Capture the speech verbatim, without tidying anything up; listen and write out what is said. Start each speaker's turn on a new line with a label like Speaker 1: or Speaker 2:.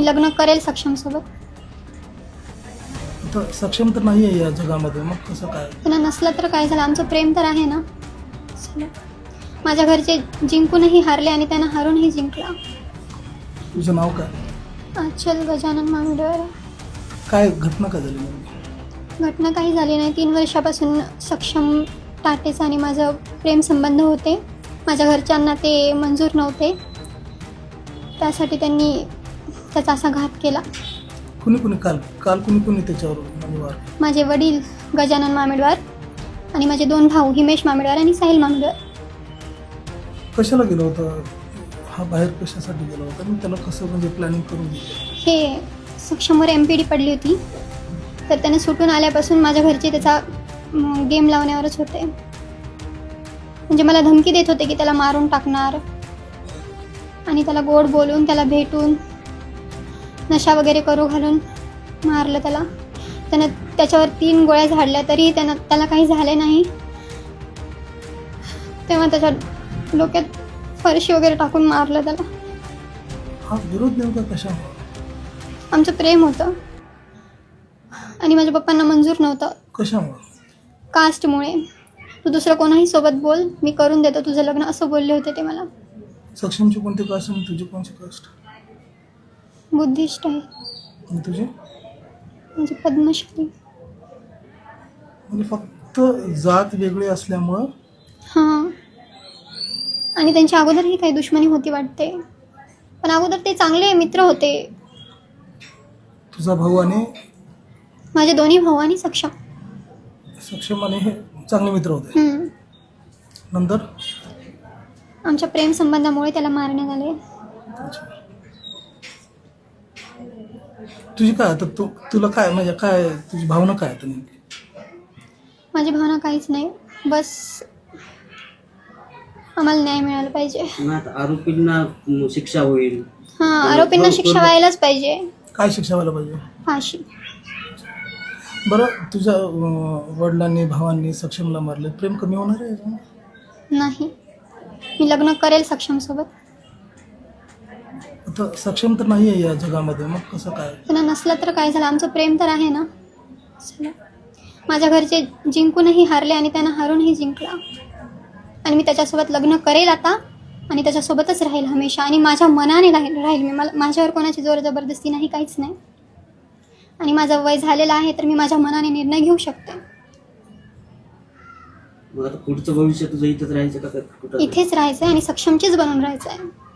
Speaker 1: लग्न करेल सक्षम सोबत.
Speaker 2: तर सक्षम तर नाही आहे या जगामध्ये, मग कसं काय?
Speaker 1: त्यांना नसलं तर काय झालं, आमचं प्रेम तर आहे ना. चला. माझ्या घरचे जिंकूनही हारले आणि त्यांना हारूनही जिंकला.
Speaker 2: तुझं नाव काय?
Speaker 1: आचल गजानन मामिडवार.
Speaker 2: काय घटना काय झाली नेमकी?
Speaker 1: घटना काही झाली नाही. तीन वर्षापासून सक्षम टाटेचा आणि माझं प्रेम संबंध होते. माझ्या घरच्यांना ते मंजूर नव्हते, त्यासाठी त्यांनी त्याचा असा घात केला.
Speaker 2: कुणी कुणी काल काल कुणी कुणी त्याच्यावर म्हणजे वार?
Speaker 1: माझे वडील गजानन मामिडवार आणि माझे दोन भाऊ हिमेश मामिडवार आणि साहिल मामिडवार.
Speaker 2: कशाला गेलो होता हा बाहेर, कशासाठी गेला होता आणि त्याला कसं म्हणजे प्लॅनिंग करून दिलं?
Speaker 1: हे सक्षमवर एम पी डी पडली होती, तर त्याने सुटून आल्यापासून माझ्या घरचे त्याचा गेम लावण्यावरच होते. म्हणजे मला धमकी देत होते की त्याला मारून टाकणार, आणि त्याला गोड बोलून त्याला भेटून नशा वगैरे करू घालून मारलं त्याला. त्यानं त्याच्यावर तीन गोळ्या झाडल्या तरी त्यानं त्याला काही झाले नाही. तेव्हा त्याच्या डोक्यात फरशी वगैरे टाकून मारलं त्याला.
Speaker 2: हा विरोध नेमका कशामुळे?
Speaker 1: आमचं प्रेम होतं आणि माझ्या पप्पांना मंजूर नव्हतं.
Speaker 2: कशामुळे?
Speaker 1: कास्टमुळे. तू दुसरं कोणाही सोबत बोल, मी करून देतो तुझं लग्न, असं बोलले होते ते मला.
Speaker 2: सक्षमची कोणती कास्ट आणि तुझी कोणती कास्ट?
Speaker 1: बुद्धिस्ट आहे.
Speaker 2: आणि तुझी?
Speaker 1: म्हणजे पद्मश्री.
Speaker 2: म्हणजे फक्त जात वेगळी असल्यामुळं?
Speaker 1: हां. आणि त्यांच्या अगोदरही काही दुश्मनी होती वाटते, पण अगोदर ते चांगले मित्र होते.
Speaker 2: तुझा भाऊ आणि
Speaker 1: माझे दोन्ही भाऊ आणि सक्षम
Speaker 2: सक्षम आणि हे चांगले मित्र होते.
Speaker 1: हम्म.
Speaker 2: नंतर
Speaker 1: आमच्या प्रेम संबंधामुळे त्याला मारण्यात आले.
Speaker 2: तुझी काय आता तू तुला काय म्हणजे काय तुझी भावना काय आता नेमकी?
Speaker 1: माझी भावना काहीच नाही, बस आम्हाला न्याय मिळाला पाहिजे.
Speaker 3: मग आता आरोपींना शिक्षा होईल.
Speaker 1: हां, आरोपींना शिक्षा व्हायलाच पाहिजे.
Speaker 2: काय शिक्षा व्हायला पाहिजे?
Speaker 1: फाशी.
Speaker 2: बरं, तुझ्या अं, वडिलांनी भावांनी सक्षमला मारले, प्रेम कमी होणार आहे याच्यामुळे?
Speaker 1: नाही, मी लग्न करेल सक्षम सोबत.
Speaker 2: आता सक्षम तर नाही आहे या जगामध्ये, मग कसं काय?
Speaker 1: त्यांना नसलं तर काय झालं, आमचं प्रेम तर आहे ना. चला. माझ्या घरचे जिंकूनही हारले आणि त्यांना हारूनही जिंकला. आणि मी त्याच्यासोबत लग्न करेल आता आणि त्याच्यासोबतच राहील हमेशा, आणि माझ्या मनाने राहील राहील मी. मला माझ्यावर कोणाची जोर जबरदस्ती नाही, काहीच नाही. आणि माझं वय झालेलं आहे, तर मी माझ्या मनाने निर्णय घेऊ शकते.
Speaker 3: मग आता पुढचं भविष्य तुझं इथंच राहायचं का कुठं?
Speaker 1: इथेच राहायचं आहे आणि सक्षमचीच बनून राहायचं आहे.